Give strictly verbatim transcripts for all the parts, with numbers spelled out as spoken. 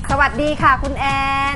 สวัสดีค่ะคุณแอน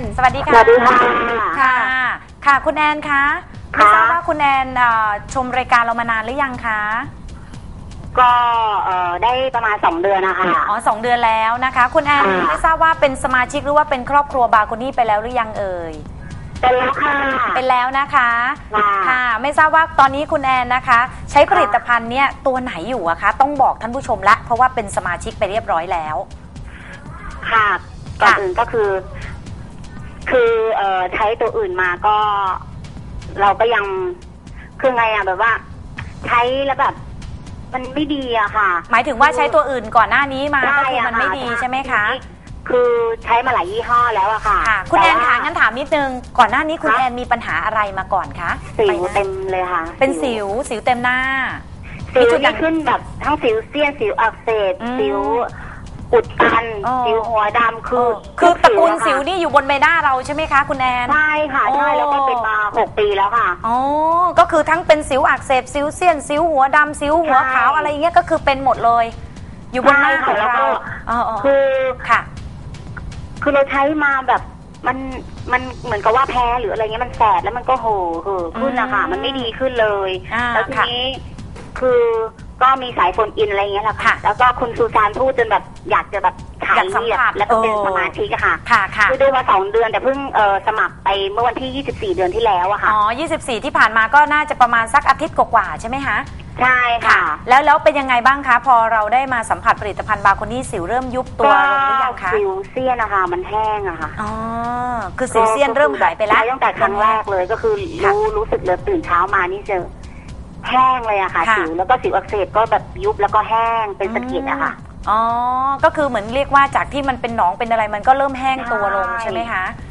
สวัสดีค่ะสวัสดีค่ะค่ะ ค่ะคุณแอนคะไม่ทราบว่าคุณแอนชมรายการเรามานานหรือยังคะก็เอ่อได้ประมาณสองเดือนนะคะอ๋อสองเดือนแล้วนะคะคุณแอนไม่ทราบว่าเป็นสมาชิกหรือว่าเป็นครอบครัวบาโคนี่ไปแล้วหรือยังเอ่ยเป็นแล้วค่ะเป็นแล้วนะคะค่ะไม่ทราบว่าตอนนี้คุณแอนนะคะ ใช้ผลิตภัณฑ์เนี่ยตัวไหนอยู่อะคะต้องบอกท่านผู้ชมละเพราะว่าเป็นสมาชิกไปเรียบร้อยแล้วค่ะก่อนอื่นก็คือ คือเอ่อใช้ตัวอื่นมาก็ เราก็ยังคือไงอะแบบว่า ใช้แล้วแบบ มันไม่ดีอะค่ะหมายถึงว่าใช้ตัวอื่นก่อนหน้านี้มาก็คือมันไม่ดีใช่ไหมคะคือใช้มาหลายยี่ห้อแล้วอะค่ะค่ะคุณแอนคะงั้นถามนิดนึงก่อนหน้านี้คุณแอนมีปัญหาอะไรมาก่อนคะสิวเต็มเลยค่ะเป็นสิวสิวเต็มหน้าสิวที่ขึ้นแบบทั้งสิวเซียนสิวอักเสบสิวอุดตันสิวหัวดำคือคือตระกูลสิวนี่อยู่บนใบหน้าเราใช่ไหมคะคุณแอนใช่ค่ะใช่แล้วก็เป็นมาหกปีแล้วค่ะอ๋อก็คือทั้งเป็นสิวอักเสบสิวเซียนสิวหัวดำสิวหัวขาวอะไรเงี้ยก็คือเป็นหมดเลยอยู่บนหน้าของเราคือค่ะคือเราใช้มาแบบมันมันเหมือนกับว่าแพ้หรืออะไรเงี้ยมันแสบแล้วมันก็โห่เห่อขึ้นนะคะมันไม่ดีขึ้นเลยแล้วทีนี้คือก็มีสายโฟนอินอะไรเงี้ยแหละค่ะแล้วก็คุณซูซานพูดจนแบบอยากจะแบบถ่ายแล้วก็เป็นสมาชิกอะค่ะคือดูมาสองเดือนแต่เพิ่งเออสมัครไปเมื่อวันที่ยี่สิบสี่เดือนที่แล้วอะค่ะอ๋อยี่สิบสี่ที่ผ่านมาก็น่าจะประมาณสักอาทิตย์กว่าๆใช่ไหมคะใช่ค่ะแล้วแล้วเป็นยังไงบ้างคะพอเราได้มาสัมผัสผลิตภัณฑ์บาโคนี่สิวเริ่มยุบตัวลงหรือยังคะสิวเซียนนะคะมันแห้งอะค่ะอ๋อคือสิวเซียนเริ่มหายไปแล้วตั้งแต่ครั้งแรกเลยก็คือรู้รู้สึกเลยตื่นเช้ามานี่เจอแห้งเลยอะค่ะสิวแล้วก็สิวอักเสบก็แบบยุบแล้วก็แห้งเป็นสะเก็ดอะค่ะอ๋อก็คือเหมือนเรียกว่าจากที่มันเป็นหนองเป็นอะไรมันก็เริ่มแห้งตัวลงใช่ไหมคะ